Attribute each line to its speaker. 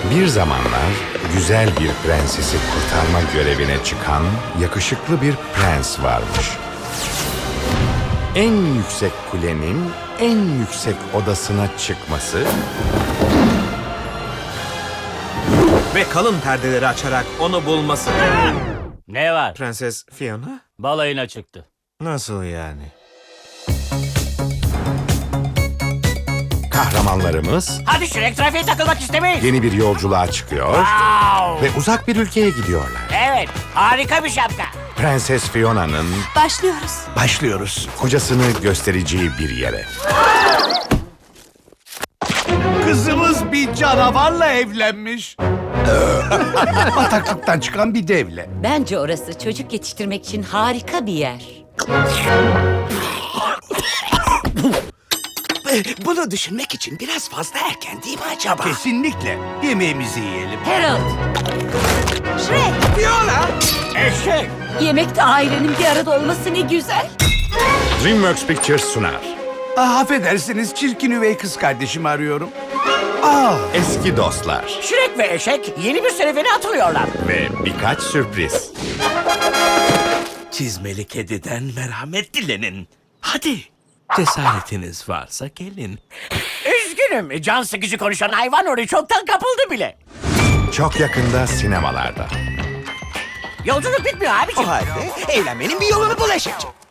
Speaker 1: Bir zamanlar güzel bir prensesi kurtarma görevine çıkan yakışıklı bir prens varmış. En yüksek kulenin en yüksek odasına çıkması
Speaker 2: Ve kalın perdeleri açarak onu bulması.
Speaker 3: Ne var?
Speaker 2: Prenses Fiona?
Speaker 3: Balayına çıktı.
Speaker 2: Nasıl yani?
Speaker 1: kahramanlarımız
Speaker 3: Hadi Shrek, trafiğe takılmak istemeyiz.
Speaker 1: yeni bir yolculuğa çıkıyor
Speaker 3: Wow!
Speaker 1: ve uzak bir ülkeye gidiyorlar.
Speaker 3: Evet, harika bir şapka.
Speaker 1: Prenses Fiona'nın
Speaker 4: Başlıyoruz.
Speaker 1: kocasını göstereceği bir yere.
Speaker 4: Kızımız bir canavarla evlenmiş. Bataklıktan çıkan bir devle.
Speaker 5: Bence orası çocuk yetiştirmek için harika bir yer.
Speaker 6: Bunu düşünmek için biraz fazla erken değil mi acaba?
Speaker 4: Kesinlikle. Yemeğimizi yiyelim.
Speaker 5: Harold,
Speaker 3: Eşek.
Speaker 5: yemekte ailenin bir arada olması ne güzel.
Speaker 1: DreamWorks Pictures sunar.
Speaker 4: Affedersiniz, çirkin üvey kız kardeşimi arıyorum.
Speaker 1: Eski dostlar
Speaker 3: Shrek ve eşek yeni bir serüvene atılıyorlar.
Speaker 1: ve birkaç sürpriz.
Speaker 6: Çizmeli kediden merhamet dilenin. Hadi. Cesaretiniz varsa gelin.
Speaker 3: Üzgünüm, can sıkıcı konuşan hayvan oraya çoktan kapıldı bile.
Speaker 1: Çok yakında sinemalarda.
Speaker 3: Yolculuk bitmiyor abiciğim.
Speaker 6: O halde eğlenmenin bir yolunu bul eşekçi.